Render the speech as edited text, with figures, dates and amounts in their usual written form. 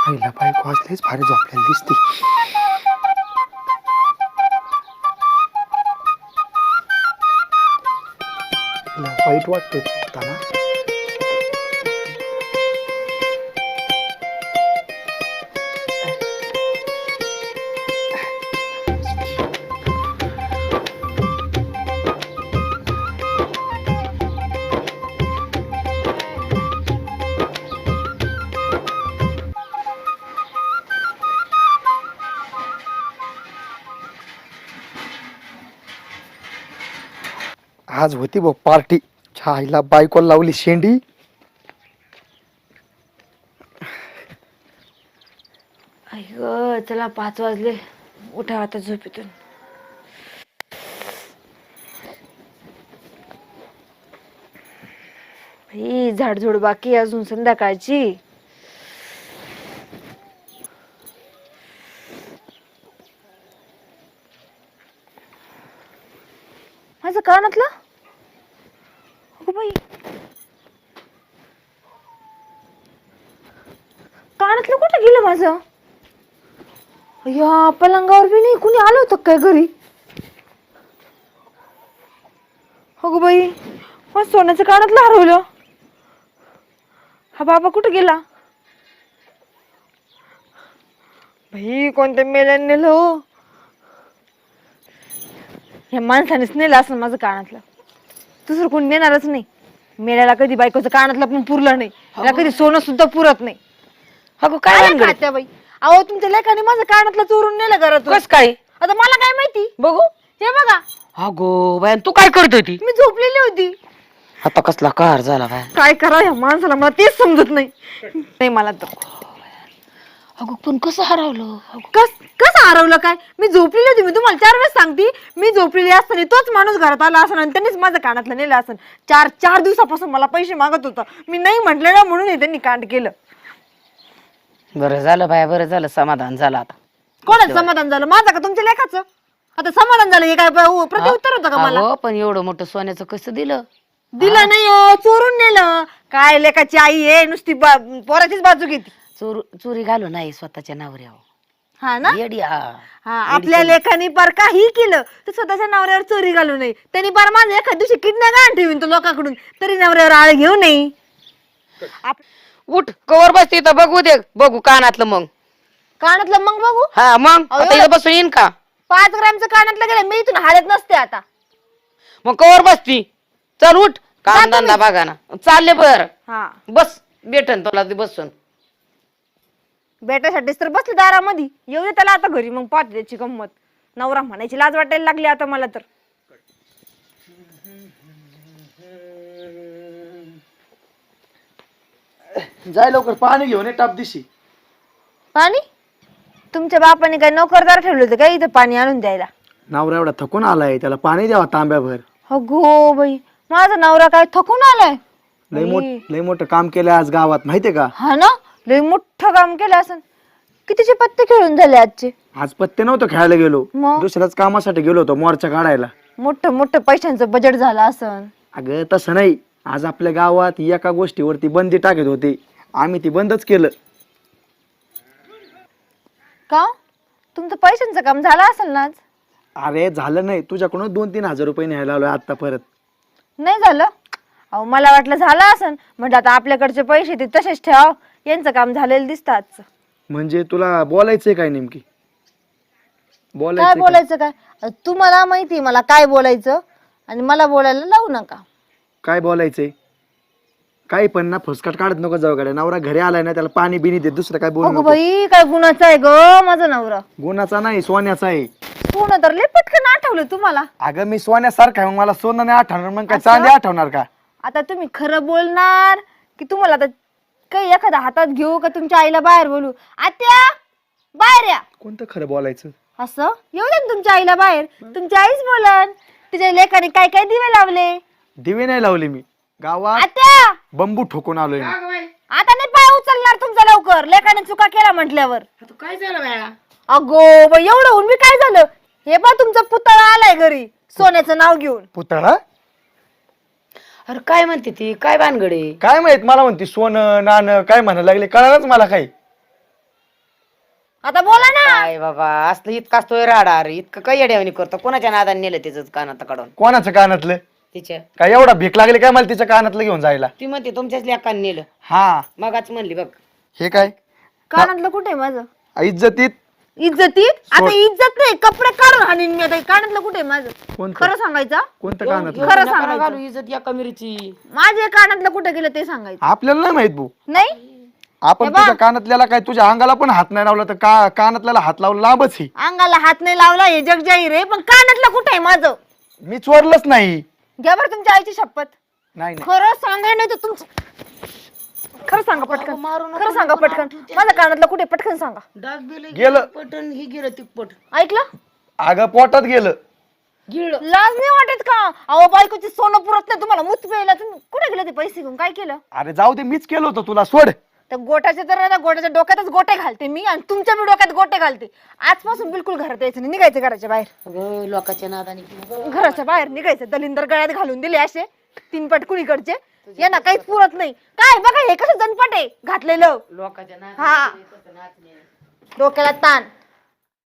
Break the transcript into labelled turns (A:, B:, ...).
A: आईला बायको असलेच भारी झोपलेली दिसते. तिला वाईट वाटते झोपताना. आज होती बघ पार्टी. छाईला बायकोला लावली शेंडी.
B: आई चला 5 वाजले, उठा आता झोपेतून. भाई झाडझुड बाकी अजून संध्याकाळची. माझं कानातलं अगं बाई, कानातलं कुठं गेलं माझं? या पलंगावर बी नाही कुणी आलं होतं काय घरी? अगं बाई, मग सोन्याचं कानातलं हरवलं. हा बाबा कुठं गेला? भाई कोणत्या मेल्याने नेलं हो? ह्या माणसानेच नेलं असं माझं कानातलं. दुसरं कोणी नेणारच नाही. मेल्याला कधी बायकोचं कानातलं पण पुरलं नाही, त्याला कधी सोनं सुद्धा पुरत नाही.
C: अगं काय
B: खात्या बाई? अहो तुमच्या लेकाने माझं कानातलं चोरून नेलं घरातून.
C: कस काय?
B: आता मला काय माहिती?
C: बघू.
B: हे बघा,
C: अगो बाय, तू काय करत होती?
B: मी झोपलेली होती.
C: आता कसला कार झाला काय?
B: काय करा या माणसाला, मला तेच समजत नाही मला तर.
C: अगं पण कसं हरवलं?
B: कसं हरवलं काय? मी झोपलेली होती. मी तुम्हाला 4 वेळेस सांगते, मी झोपलेली असताना तोच माणूस घरात आला असं आणि त्यांनीच माझं कानातलं नेलं असं. 4 दिवसापासून मला पैसे मागत होता. मी नाही म्हटलं ना म्हणून त्यांनी कांड केलं.
C: बरं झालं बाय, बरं झालं, समाधान झालं. आता
B: कोणाचं समाधान झालं? माझं का तुमच्या लेखाचं? आता समाधान झालं हे काय प्रत्युत्तर होतं का मला?
C: अगं पण एवढं मोठं सोन्याचं कसं दिलं?
B: दिलं नाही हो, चोरून नेलं. काय लेकाची आई आहे, नुसती पोराचीच बाजू घेते.
C: चोरी घालू नाही स्वतःच्या नवऱ्यावर.
B: हा ना?
C: येडी.
B: हा, आपल्या लेखानी पार काही केलं तर स्वतःच्या नवऱ्यावर चोरी घालू नये. त्यांनी पार माझं एखाद दिवशी किडनॅप घाण ठेवीन तो लोकांकडून, तरी नवऱ्यावर आळ घेऊ नये.
C: उठ, कवर बसते तर बघू दे, बघू कानातलं मग.
B: कानातलं मग बघू.
C: हा मग आता इथं बसून येईन का?
B: 5 ग्रॅमचं कानातलं गेलं, मी इथून हालत नसते आता.
C: मग कवर बसती. चल उठ, काम धंदा बघा ना. चालले बर.
B: हा,
C: बस, भेटन तुला ते बसून.
B: बेटासाठीच तर बसले दारामध्ये. येऊ दे त्याला आता घरी, मग पाहते त्याची गंमत. नवरा म्हणायची लाज वाटायला लागली आता मला तर.
A: जाय लवकर पाणी घेऊन ये टाप दिशी.
B: पाणी? तुमच्या बापाने काय नोकरदार ठेवले होते काय इथं पाणी आणून द्यायला?
A: नवरा एवढा थकून आलाय, त्याला पाणी द्यावा तांब्याभर.
B: अगो बाई, माझा नवरा काय थकून आलाय?
A: लय मोठं काम केलंय आज गावात, माहितीये का?
B: हा ना, लय मोठं काम केलं असं. कितीचे पत्ते खेळून झाले आजचे?
A: आज पत्ते नव्हतं खेळायला गेलो,
B: मग?
A: दुसऱ्याच कामासाठी गेलो होतो, मोर्चा काढायला.
B: मोठं मोठं पैशांचं बजेट झालं असं.
A: अगं तसं नाही, आज आपल्या गावात एका गोष्टीवरती बंदी टाकत होती, आम्ही ती बंदच केलं.
B: का? तुमचं पैशांचं काम झालं असेल ना आज?
A: अरे झालं नाही, तुझ्याकडून 2-3 हजार रुपये न्यायला आलोय आता परत.
B: नाही झालं? अहो मला वाटलं झालं असेल. म्हणजे आता आपल्याकडचे पैसे ते तसेच ठेवाव, यांचं काम झालेलं दिसतं आजचं.
A: म्हणजे तुला बोलायचंय काय नेमकी?
B: काय बोलायचं काय? तुम्हाला माहिती मला काय बोलायचं, आणि मला बोलायला लावू नका.
A: काय बोलायचंय? काही पण ना फुसकट काढत नको जाऊ गाड्या. नवरा घरी आलाय ना, त्याला पाणी बिनी दे, दुसरं काय बोलू
B: अगो
A: नको.
B: बाई, काय गुणाचा आहे ग माझा नवरा?
A: गुणाचा नाही, सोन्याचा आहे.
B: सोनं तर लय पटकन आठवलं तुम्हाला.
A: अगं मी सोन्यासारखा आहे, मग मला सोनं नाही आठवणार, मग काय चांदी आठवणार का?
B: आता तुम्ही खरं बोलणार की तुम्हाला आता काही एखादा हातात घेऊ का तुमच्या आईला बाहेर बोलू? आत्या बाहेर या.
A: कोणतं खरं बोलायचं?
B: असं येऊ दे ना तुमच्या आईला बाहेर. तुमची आईच बोलन. तिच्या लेकाने काय काय दिवे लावले.
A: दिवे नाही लावले मी गावात,
B: आत्या
A: बंबू ठोकून आलोय मी.
B: आता नाही पाय उचलणार तुमचा लवकर, लेकाने चुका केला म्हटल्यावर.
C: काय झालं बाया?
B: अगो बाई, एवढं होऊन मी काय झालं? हे पा तुमचा पुतळा आलाय घरी सोन्याचं नाव घेऊन.
A: पुतळा?
C: अरे काय म्हणते ती, काय भानगडे?
A: काय माहित, मला म्हणते सोनं नाणं काय म्हणायला लागले, कळालंच मला काही.
B: आता बोला ना.
C: काय बाबा असलं इतकाच तो राडा अरे इतकं काही अडवणी करतो कोणाच्या नादाने नेलं तिचं कानात काढून
A: कोणाचं कानातलं
C: तिच्या
A: काय एवढा भीक लागली काय मला तिच्या कानातलं घेऊन जायला?
C: ती म्हणते तुमच्याच लेकाने नेलं
A: हा
C: मगाच म्हणली बघ.
A: हे काय
B: कानातलं कुठे माझं?
A: इज्जतीत
B: इज्जतीत आता इज्जत नाही, कपडे काढून हाणीन मी आता. कानातलं कुठे माझं?
A: कोणतं
B: खरं सांगायचं.
A: कोणतं कानातलं?
B: खरं
C: नका
B: सांगायचं.
C: घालू इज्जत या कमिरीची.
B: माझे कानातलं कुठे गेलं ते सांगायचं.
A: आपल्याला नाही माहित भाऊ.
B: नाही
A: आपण तुझ्या कानातल्याला काय तुझ्या अंगाला पण हात नाही लावला तर कानातल्याला हात लावून लांबच ही.
B: अंगाला हात नाही लावला हे जग जाहीर आहे, पण कानातलं कुठे आहे माझं?
A: मी चोरलंच नाही.
B: घ्या बरं तुमच्या आईची शपथ.
A: नाही नाही.
B: खरं सांगाय नाही तर तुमचं खरं सांगा पटकन.
C: मारू नको,
B: खरं सांगा पटकन. माझं कानातलं कुठे पटकन सांगा.
C: डाग बिल
A: गेलं.
C: पटन ही गेलं तिप्पट
B: ऐकलं?
A: अगं पोटात गेलं.
C: गिळ
B: लाज नाही वाटत का? अहो बायकोची सोनं पुरत नाही तुम्हाला, मुत प्यायला तुम्ही कुठे गेले ते पैसे घेऊन? काय केलं?
A: अरे जाऊ दे, मीच केलं होतं तुला, सोड.
B: तर गोट्याचे तर आता गोट्याच्या डोक्यातच गोटे घालते मी, आणि तुमच्या बी डोक्यात गोटे घालते. आजपासून बिलकुल घरात यायचं नाही, निघायचं घराच्या बाहेर.
C: अगं लोकांच्या नादाने केलं.
B: घराच्या बाहेर निघायचं. दलिंदर गळ्यात घालून दिले असे 3 पटकुन इकडचे. यांना काहीच पुरत नाही. काय बघा हे कसं जनपट आहे घातलेलं.
C: लोकांच्या
B: हा.
C: नादाने
B: डोक्याला ताण.